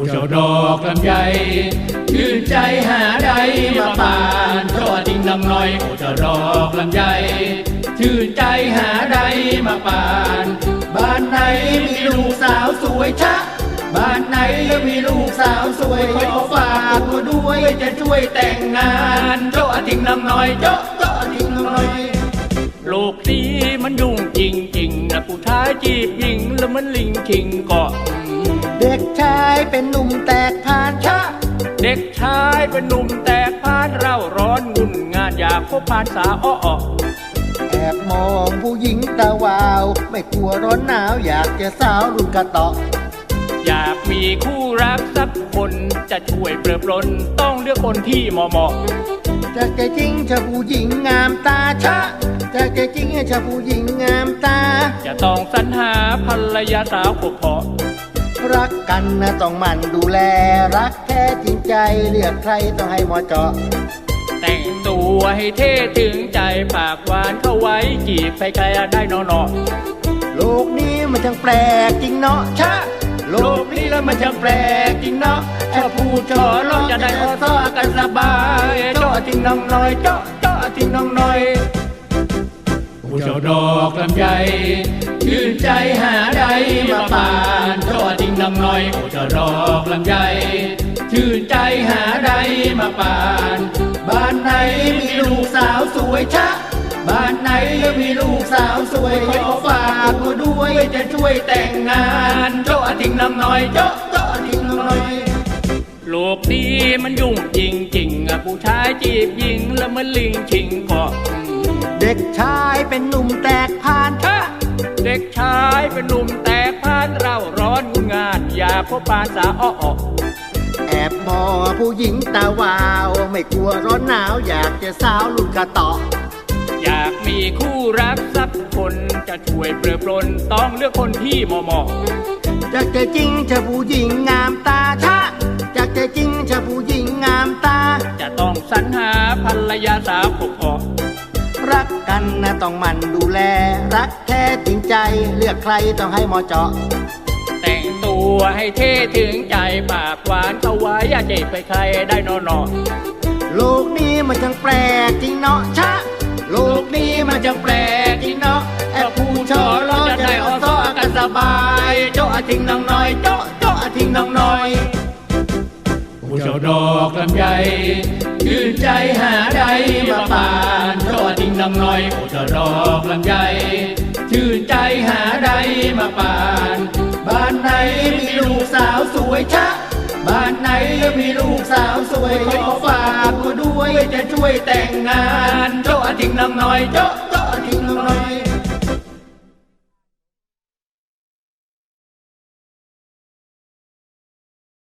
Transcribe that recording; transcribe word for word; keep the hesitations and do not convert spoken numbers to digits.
เจ้าดอกลำไยชื่นใจหาใดมาปานโจทิ้งน้ำน้อยโอ้เจ้าดอกลำไยชื่นใจหาใดมาปานบ้านไหนมีลูกสาวสวยชะบ้านไหนมีลูกสาวสวยขอฝากมาด้วยจะช่วยแต่งงานโจทิ้งน้ำน้อยโจโจทิ้งน้ำน้อยโลกนี้มันยุ่งจริงๆนะผู้ชายจีบหญิงแล้วมันลิงคิงเกาะเด็กชายเป็นหนุ่มแตกผ่านชะเด็กชายเป็นหนุ่มแตกผ่านเร่าร้อนงุ่นงานอยากพบผ่านสาวอ้อแอบมองผู้หญิงตาวาวไม่กลัวร้อนหนาวอยากจะสาวรุ่นกระเตาะอยากมีคู่รักสักคนจะช่วยเปลือปลนต้องเลือกคนที่เหมาะเหมาะจะแก่จริงชะผู้หญิงงามตาชะจะแก่จริงชะผู้หญิงงามตาจะต้องสรรหาภรรยาสาวพบเพาะรักกันนะต้องหมั่นดูแลรักแท้จริงใจเลือกใครต้องให้เหมาะเจาะแต่งตัวให้เท่ถึงใจปากหวานเข้าไว้จีบใครๆได้นอนโลกนี้มันช่างแปลกจริงเนาะชะโลกนี้แล้วมันช่างแปลกจริงเนาะแค่ผู้ชอร้องจะได้อ้อซ้อกันสบายเจาะทิ้งน้องน้อยเจาะเจาะทิ้งน้องน้อยผู้เจ้าดอกลำไยชื่นใจหาใดมาปานโจทิ้งน้ำน้อยโอ้เจ้าดอกลำไยชื่นใจหาใดมาปานบ้านไหนมีลูกสาวสวยชะบ้านไหนมีลูกสาวสวยขอฝากมาด้วยจะช่วยแต่งงานโจทิ้งน้ำน้อยโจโจทิ้งน้ำน้อยโลกนี้มันยุ่งจริงๆผู้ชายจีบหญิงแล้วมันลิงชิงเกาะเด็กชายเป็นหนุ่มแตกผ่านชะเด็กชายเป็นหนุ่มแตกผ่านเร่าร้อนงุ่นงานอยากพบปานสาวอ้อแอบมองผู้หญิงตาวาวไม่กลัวร้อนหนาวอยากจะสาวรุ่นกระเตาะอยากมีคู่รักสักคนจะช่วยเปลือปลนต้องเลือกคนที่เหมาะเหมาะจะแก่จริงชะผู้หญิงงามตาชะจะแก่จริงชะผู้หญิงงามตาจะต้องสรรหาภรรยาสาวพบเพาะรักกันนะต้องหมั่นดูแลรักแท้จริงใจเลือกใครต้องให้เหมาะเจาะแต่งตัวให้เท่ถึงใจปากหวานเข้าไว้อย่าเจ็บไปใครได้นอนนอโลกนี้มันช่างแปลกจริงเนาะชะโลกนี้มันช่างแปลกจริงเนาะแอบผู้ชอร้องจะได้อ้อซ้อกันสบายโจทิ้งน้องน้อยโจโจทิ้งน้องน้อยผู้เจ้าดอกลำไยชื่นใจหาใดมาปานโจทิ้งน้องน้อยผู้เจ้าดอกลำไยชื่นใจหาใดมาปานบ้านไหนมีลูกสาวสวยชะบ้านไหนมีลูกสาวสวยขอฝากมาด้วยจะช่วยแต่งงานโจทิ้งน้องน้อยโจโจทิ้งน้องน้อย